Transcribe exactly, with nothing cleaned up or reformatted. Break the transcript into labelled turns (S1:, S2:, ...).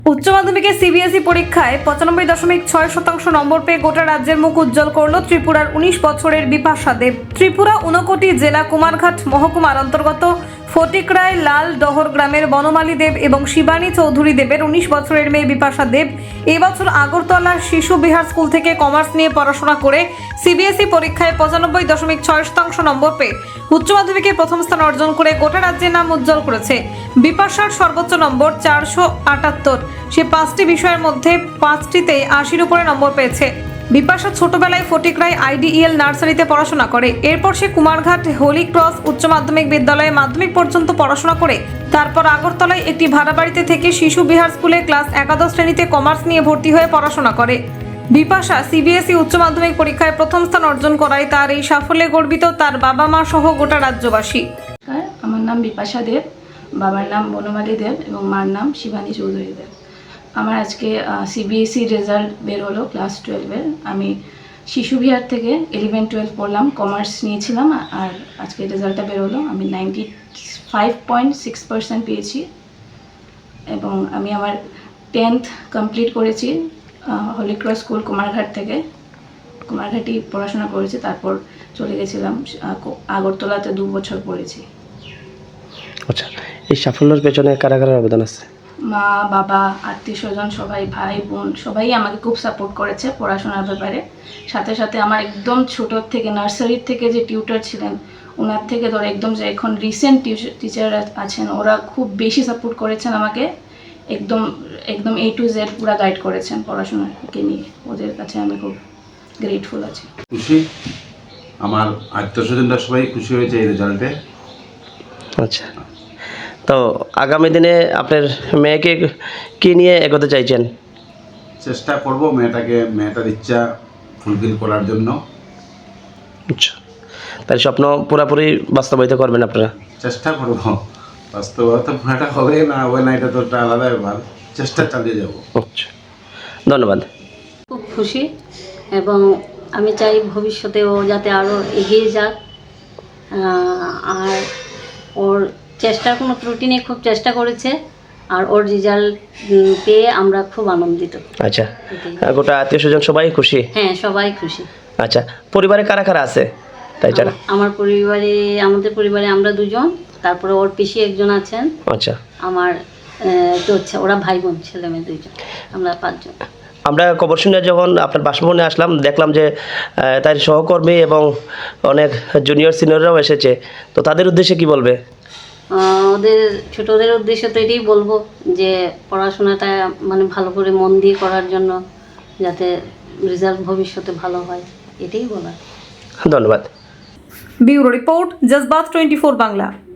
S1: উচ্চ মাধ্যমিকে সিবিএসই পরীক্ষায় পঁচানব্বই দশমিক ছয় শতাংশ নম্বর পেয়ে গোটা রাজ্যের মুখ উজ্জ্বল করল ত্রিপুরার উনিশ বছরের বিপাশা দেব। ত্রিপুরা ঊনকোটি জেলা কুমারঘাট মহকুমার অন্তর্গত ফটিকরায় লাল ডহর গ্রামের বনমালী দেব এবং শিবানী চৌধুরী দেবের উনিশ বছরের মেয়ে বিপাশা দেব এবছর আগরতলার শিশু বিহার স্কুল থেকে কমার্স নিয়ে পড়াশোনা করে সিবিএসই পরীক্ষায় পঁচানব্বই দশমিক ছয় শতাংশ নম্বর পেয়ে উচ্চ মাধ্যমিকে প্রথম স্থান অর্জন করে গোটা রাজ্যের নাম উজ্জ্বল করেছে। বিপাশার সর্বোচ্চ নম্বর চারশো আটাত্তর। সে পাঁচটি বিষয়ের মধ্যে পাঁচটিতে আশির উপরে নম্বর পেয়েছে। বিপাশা ছোটবেলায় ফটিকরায় আইডিইএল নার্সারিতে পড়াশোনা করে। এরপর সে কুমারঘাট হোলি ক্রস উচ্চ মাধ্যমিক বিদ্যালয়ে মাধ্যমিক পর্যন্ত পড়াশোনা করে তারপর আগরতলায় একটি ভাড়া বাড়িতে থেকে শিশু বিহার স্কুলে ক্লাস একাদশ শ্রেণীতে কমার্স নিয়ে ভর্তি হয়ে পড়াশোনা করে। বিপাশা সিবিএসই উচ্চ মাধ্যমিক পরীক্ষায় প্রথম স্থান অর্জন করায় তার এই সাফল্যে গর্বিত তার বাবা মা সহ গোটা রাজ্যবাসী।
S2: আমার নাম বিপাশা দেব, বাবার নাম বনমালী দেব এবং মার নাম শিবানী চৌধুরী দেব। আমার আজকে সিবিএসই রেজাল্ট বের হলো ক্লাস টুয়েলভের। আমি শিশু বিহার থেকে ইলেভেন টুয়েলভ পড়লাম, কমার্স নিয়েছিলাম, আর আজকে রেজাল্টটা বের হলো। আমি ninety five point six percent পেয়েছি এবং আমি আমার টেন্থ কমপ্লিট করেছি হোলি ক্রস স্কুল কুমারঘাট থেকে। কুমারঘাটেই পড়াশোনা করেছি, তারপর চলে গেছিলাম আগরতলাতে দু বছর পড়েছি।
S3: আচ্ছা, এই সাফল্যের পেছনে কারা কারা অবদান আছে?
S2: মা, বাবা, আত্মীয় স্বজন সবাই, ভাই বোন সবাই আমাকে খুব সাপোর্ট করেছে পড়াশোনার ব্যাপারে। সাথে সাথে আমার একদম ছোটোর থেকে নার্সারির থেকে যে টিউটার ছিলেন ওনার থেকে ধরে একদম যে এখন রিসেন্ট টিচার আছেন ওরা খুব বেশি সাপোর্ট করেছেন আমাকে। একদম একদম এ টু জেড পুরো গাইড করেছেন পড়াশোনাকে নিয়ে। ওদের কাছে আমি খুব গ্রেটফুল আছি।
S4: খুশি, আমার আত্মীয় স্বজনরা সবাই খুশি হয়েছে এই রেজাল্টে।
S3: আচ্ছা, তো আগামী দিনে আপনার মেয়েকে কী নিয়ে এগোতে চাইছেন?
S4: চেষ্টা করব মেয়েটাকে মেয়েটার ইচ্ছা ফুলফিল করার জন্য।
S3: আচ্ছা, তার স্বপ্ন পুরোপুরি বাস্তবায়িত করবেন আপনারা?
S4: চেষ্টা করব, বাস্তবতা পুরাটা হবে না হবে না এটা তো একটা আলাদা ব্যাপার, চেষ্টা চালিয়ে যাব।
S3: আচ্ছা, ধন্যবাদ।
S5: খুব খুশি এবং আমি চাই ভবিষ্যতে ও যাতে আরও এগিয়ে যাক, আর ওর চেষ্টার কোনো ত্রুটি নেই, খুব চেষ্টা করেছে আর ওর রেজাল্ট পেয়ে আমরা খুব আনন্দিত।
S3: আচ্ছা, গোটা আত্মীয় স্বজন সবাই খুশি?
S5: হ্যাঁ, সবাই খুশি।
S3: আচ্ছা, পরিবারে কারা কারা আছে? তাই ছাড়া
S5: আমার পরিবারে আমাদের পরিবারে আমরা দুজন, তারপরে ওর পিসি একজন আছেন।
S3: আচ্ছা,
S5: আমার তো ওরা ভাই বোন ছেলে মেয়ে দুইজন, আমরা পাঁচজন।
S3: আমরা খবর শুনে যখন আপনার বাসভবনে আসলাম দেখলাম যে তার সহকর্মী এবং অনেক জুনিয়র সিনিয়ররাও এসেছে, তো তাদের উদ্দেশ্যে কি বলবে?
S5: ওদের ছোটদের উদ্দেশ্যে তো এটাই বলবো যে পড়াশোনাটা মানে ভালো করে মন দিয়ে করার জন্য, যাতে রেজাল্ট ভবিষ্যতে ভালো হয়, এটাই বলার।
S3: ধন্যবাদ।
S1: Bureau report, Jazbaat twenty four Bangla.